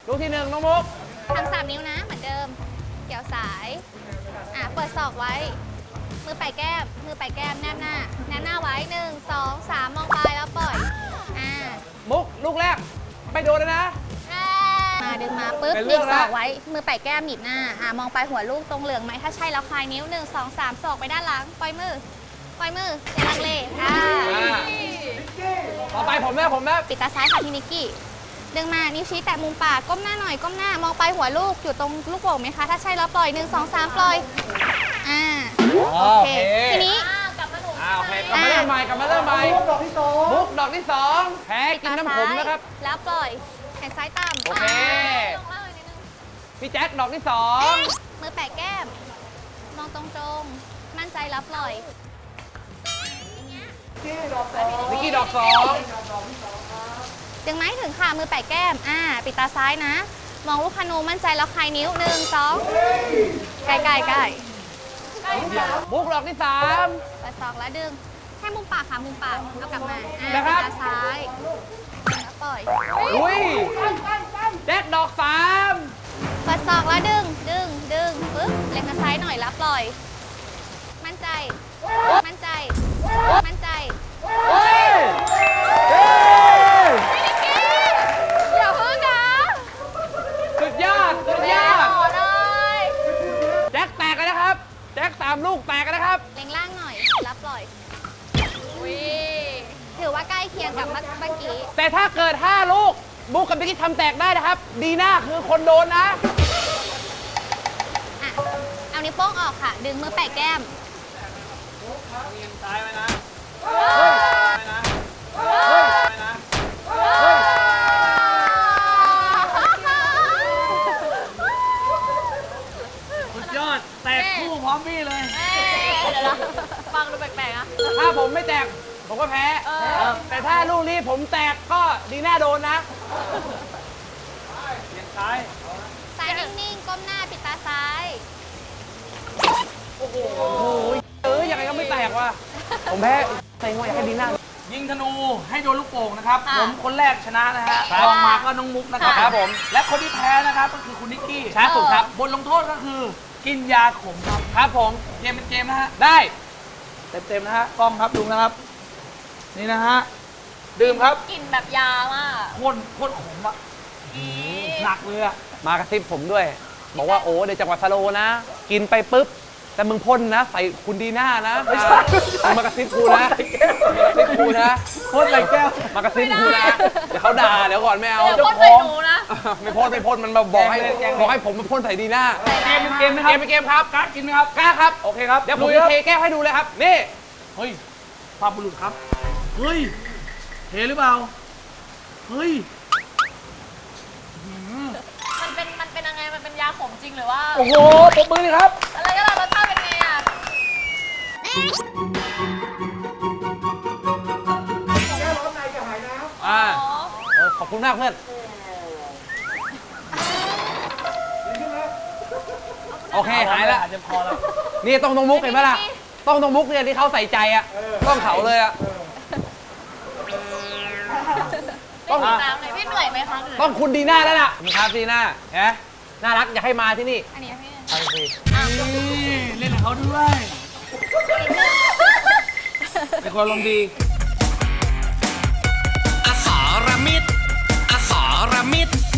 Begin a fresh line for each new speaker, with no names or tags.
ลูกที่หนึ่งน้องมุก
ทำ3 นิ้วนะเหมือนเดิมเกี่ยวสายเปิดศอกไว้มือไปแก้มแนบหน้าไว้1 2 3มองปลายแล้วปล่อย
มุกลูกแรกไม่โดนเลยนะ
มาดึงมาปุ๊บหนีบศอกไว้มือไปแก้มหนีบหน้ามองปลายหัวลูกตรงเหลืองไหมถ้าใช่แล้วคลายนิ้ว1 2 3ศอกไปด้านหลังปล่อยมืออย่าลังเล
ต่อไปผมนะ
ปิดตาซ้ายค่ะพี่นิกกี้ดึงมานิ้วชี้แตะมุมปากก้มหน้าหน่อยก้มหน้ามองปลายหัวลูกอยู่ตรงลูกโป่งไหมคะถ้าใช่แล้วปล่อย1 2 3ปล่อยโอเคทีนี้
กลับมาเริ่มใหม่มุกดอกที่สองแพ้กินน้ำผมนะครับ
แล้วปล่อยแขนซ้ายต่ำ
โอเคพี่แจ็คดอกที่สอง
มือแปะแก้มมองตรงมั่นใจแล้วปล่อย
นิกกี้ดอกสอง
ดึงไม้ถึงค่ะมือแปะแก้มปิดตาซ้ายนะมองลูกคานูมั่นใจแล้วคลายนิ้ว1 2ใกล้
มุกดอกที่3
เปิดศอกแล้วดึงแค่มุมปากค่ะมุมปากเอากลับมา
ปิด
ตาซ้ายแล้วปล่อย
อุ้ยแจ็คดอก
เปิดศอกแล้วดึงปึ๊บเล็งทางซ้ายหน่อยแล้วปล่อยมั่นใจอย่าพึ่งนะ
สุดยอดแจ็คแตกกันนะครับแจ็ค3 ลูกแตกกันนะครับ
เล็งล่างหน่อยแล้วปล่อยถือว่าใกล้เคียงกับเมื่อกี้
แต่ถ้าเกิด5 ลูกมุกกับนิกกี้ทำแตกได้นะครับดีน่าคือคนโดนนะ
เอานิ้วโป้งออกค่ะดึงมือแปะแก้ม
ซ้ายไว้นะสุดยอดแตกคู่พร้อมพี่เลย
เดี๋ยวฟังดูแปลกๆนะ
ถ้าผมไม่แตกผมก็แพ้แต่ถ้าลูกนี้ผมแตกก็ดีน่าโดนนะเลี้ยงซ้าย
นิ่งๆก้มหน้าปิดตาซ้าย
โอ้โหยังไงก็ไม่แตกว่ะผมแพ้ใส่หัวอยากให้ดีน่ายิงธนูให้โดนลูกโป่งนะครับผมคนแรกชนะนะฮะรองมาก็น้องมุกนะครับผมและคนที่แพ้นะครับก็คือคุณนิกกี้ช้าสุดครับบทลงโทษก็คือกินยาขมครับผมเกมเป็นเกมนะฮะได้เต็มนะฮะกล้องครับดูนะครับนี่นะฮะดื่มครับ
กินแบบยามาก
โคตรขมอะหนักเลยอะมากระซิบผมด้วยบอกว่าโอ้เดี๋ยวจังหวัดสโลนะกินไปปุ๊บแต่มึงพ่นนะใส่คุณดีน่านะไม่ใช่มากระซิบกูนะพ่นใส่แก้วมากระซิบกูนะเดี๋ยวเขาด่าเดี๋ยวก่อนไม่เอา
พ่นใส่หนูนะ
ไม่พ่นมันมาบอกให้ผมมาพ่นใส่ดีน่าเกมนะครับเกมครับกล้ากินไหมครับกล้าครับโอเคครับเดี๋ยวผมจะเทแก้วให้ดูเลยครับนี่เฮ้ยภาพบุรุษครับเฮ้ยเทหรือเปล่าเฮ้ย
มันเป็นยังไงมันเป็นยาขมจริงหรือว่า
โอ้โหปรบมือเลยครับ
อะไรก็ได้รสชาติเป็นไงอ่ะ
แก้ร้อนในจะหายน้ำ
ขอบคุณมากเพื่อนโอเคหายแล้วอาจจะพอแล้วนี่ต้องมุกเห็นไหมล่ะต้องมุกเนี่ยที่เขาใส่ใจอ่ะต้องเขาเลยอ่ะ
ต้องพี่เหนื่อยไหมคะ
ต้องคุณดีน่าแล้วล่ะครับดีน่าฮะน่ารักอยากให้มาที่นี่
อันนี้พี่
เล่นกับเขาด้วยเป็นคนลมดี
อสรมิตร